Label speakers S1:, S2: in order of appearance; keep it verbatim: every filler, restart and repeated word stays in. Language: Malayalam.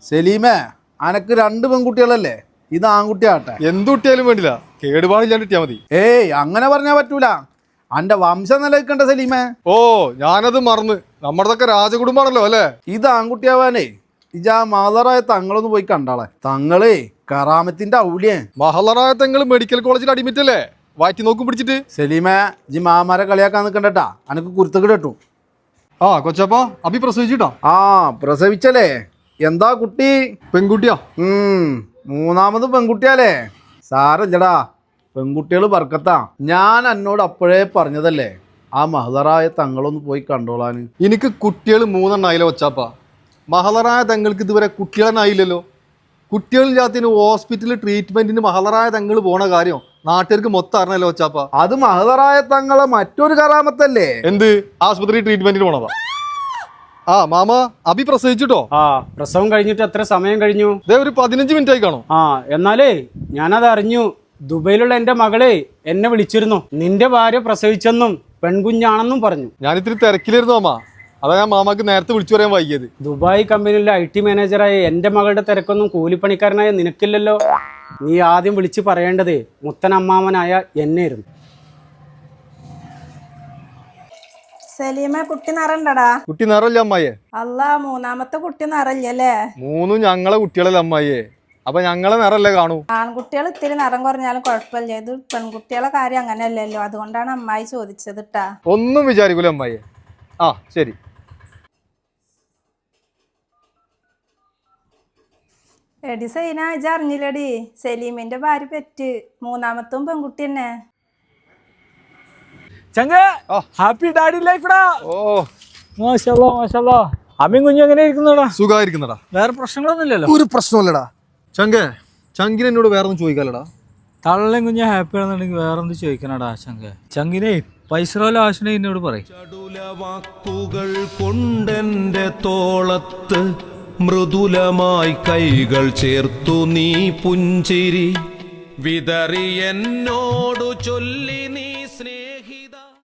S1: സലീമേ, അനക്ക് രണ്ട് പെൺകുട്ടികളല്ലേ? ഇത് ആൺകുട്ടിയാട്ടെ.
S2: എന്തുട്ടിയാലും വേണ്ടില്ല, കേടുപാടില്ലാണ്ട് കിട്ടിയാ മതി.
S1: ഏയ് അങ്ങനെ പറഞ്ഞാ പറ്റൂല. അന്റെ വംശം നിലനിൽക്കണ്ട സലീമേ.
S2: ഓ, ഞാനത് മറന്ന്. നമ്മുടെതൊക്കെ രാജകുടുംബാണല്ലോ അല്ലേ?
S1: ഇത് ആൺകുട്ടിയാവാനേ ഇജാ മാതറായ തങ്ങളൊന്ന് പോയി കണ്ടാളെ. തങ്ങളേ കറാമത്തിന്റെ ഔലിയേ.
S2: മഹളറായ തങ്ങൾ മെഡിക്കൽ കോളേജിൽ അഡ്മിറ്റ് അല്ലേ? വാറ്റി നോക്കും പിടിച്ചിട്ട്.
S1: സലീമേ, ജി മാമാരെ കളിയാക്കാൻ നിൽക്കണ്ടട്ടാ, അനക്ക് കുരുത്തക്ക് കേട്ടു.
S2: ആ കൊച്ചപ്പ, അഭി പ്രസവിച്ചിട്ടാ?
S1: ആ പ്രസവിച്ചല്ലേ? എന്താ കുട്ടി?
S2: പെൺകുട്ടിയാ.
S1: ഉം മൂന്നാമത് പെൺകുട്ടിയാലേ? സാരല്ലടാ, പെൺകുട്ടികൾ ബർക്കത്താ. ഞാൻ എന്നോട് അപ്പോഴേ പറഞ്ഞതല്ലേ ആ മഹദറായ തങ്ങളൊന്ന് പോയി കണ്ടോളാന്.
S2: എനിക്ക് കുട്ടികൾ മൂന്നെണ്ണായില്ല കൊച്ചാപ്പ. മഹളറായ തങ്ങൾക്ക് ഇതുവരെ കുട്ടികളെന്നായില്ലല്ലോ. കുട്ടികളില്ലാത്തതിന് ഹോസ്പിറ്റലിൽ ട്രീറ്റ്മെന്റിന് മഹളറായ തങ്ങൾ പോണ കാര്യം നാട്ടുകാർക്ക് മൊത്തം അറിഞ്ഞല്ലോ കൊച്ചാപ്പ.
S1: അത് മഹദറായ തങ്ങളെ മറ്റൊരു കറാമത്തല്ലേ?
S2: എന്ത് ആശുപത്രി ട്രീറ്റ്മെന്റിന് പോണതാ? ആ മാമ, അഭി പ്രസവിച്ചിട്ടോ?
S3: ആ, പ്രസവം കഴിഞ്ഞിട്ട് എത്ര സമയം കഴിഞ്ഞു?
S2: ഇതേ ഒരു പതിനഞ്ച് മിനിറ്റ് ആയി കാണും.
S3: ആ, എന്നാലേ ഞാനത് അറിഞ്ഞു. ദുബൈയിലുള്ള എൻ്റെ മകളെ എന്നെ വിളിച്ചിരുന്നു. നിന്റെ ഭാര്യ പ്രസവിച്ചെന്നും പെൺകുഞ്ഞാണെന്നും പറഞ്ഞു.
S2: ഞാൻ ഇത്തിരി തിരക്കിലായിരുന്നു മാമ, അതാ ഞാൻ മാമാക്ക് നേരത്തെ വിളിച്ചു പറയാൻ വൈകിയത്.
S3: ദുബായ് കമ്പനിയിലെ ഐ ടി മാനേജറായ എൻ്റെ മകളുടെ തിരക്കൊന്നും കൂലിപ്പണിക്കാരനായ നിനക്കില്ലല്ലോ. നീ ആദ്യം വിളിച്ച് പറയേണ്ടത് മുത്തനമ്മാവനായ എന്നെയായിരുന്നു.
S4: സലീമ, കുട്ടി നിറണ്ടടാ?
S2: കുട്ടി നിറല്ല അമ്മായിയെ.
S4: അല്ല, മൂന്നാമത്തെ കുട്ടി നിറല്ലേ?
S2: മൂന്നും ഞങ്ങളെ കുട്ടികളല്ല അമ്മായിയെ. അപ്പൊ ഞങ്ങളെ നിറല്ലേ കാണൂ.
S4: ആൺകുട്ടികൾ ഇത്തിരി നിറം കുറഞ്ഞാലും കുഴപ്പമില്ല. ഇത് പെൺകുട്ടികളെ കാര്യം അങ്ങനെയല്ലല്ലോ, അതുകൊണ്ടാണ് അമ്മായി ചോദിച്ചത് ട്ടാ.
S2: ഒന്നും വിചാരിക്കൂല അമ്മായിയെ. ആ ശരി.
S4: എടി സൈന, ഇജ അറിഞ്ഞില്ലടി, സലീമിന്റെ ഭാര്യ പെറ്റ്. മൂന്നാമത്തും പെൺകുട്ടി തന്നെ.
S5: ചങ്ക, ഹാപ്പി ഡാഡി ലൈഫ്ടാ.
S2: ഓ
S5: മാഷാല്ലാ മാഷാല്ലാ. അമ്മയും കുഞ്ഞും എങ്ങനെ ഇരിക്കുന്നടാ?
S2: സുഖമായിരിക്കുന്നടാ.
S5: വേറെ പ്രശ്നങ്ങളൊന്നും ഇല്ലല്ലോ?
S2: ഒരു പ്രശ്നമല്ലടാ. ചങ്കേ, ചങ്കിന് എന്നോട് വേറെ ഒന്നും ചോദിക്കാലടാ?
S5: തള്ളയും കുഞ്ഞും ഹാപ്പി ആണെന്നുണ്ടെങ്കിൽ വേറെ ഒന്നും ചോദിക്കണടാ ചങ്ക. ചങ്കിനെ പൈസ ആശനെ എന്നോട് പറയും.
S6: വാക്കുകൾ കൊണ്ടെന്റെ തോളത്ത് മൃദുലമായി കൈകൾ ചേർത്തു നീ പുഞ്ചിരി വിതറി എന്നോടു ചൊല്ലി നീ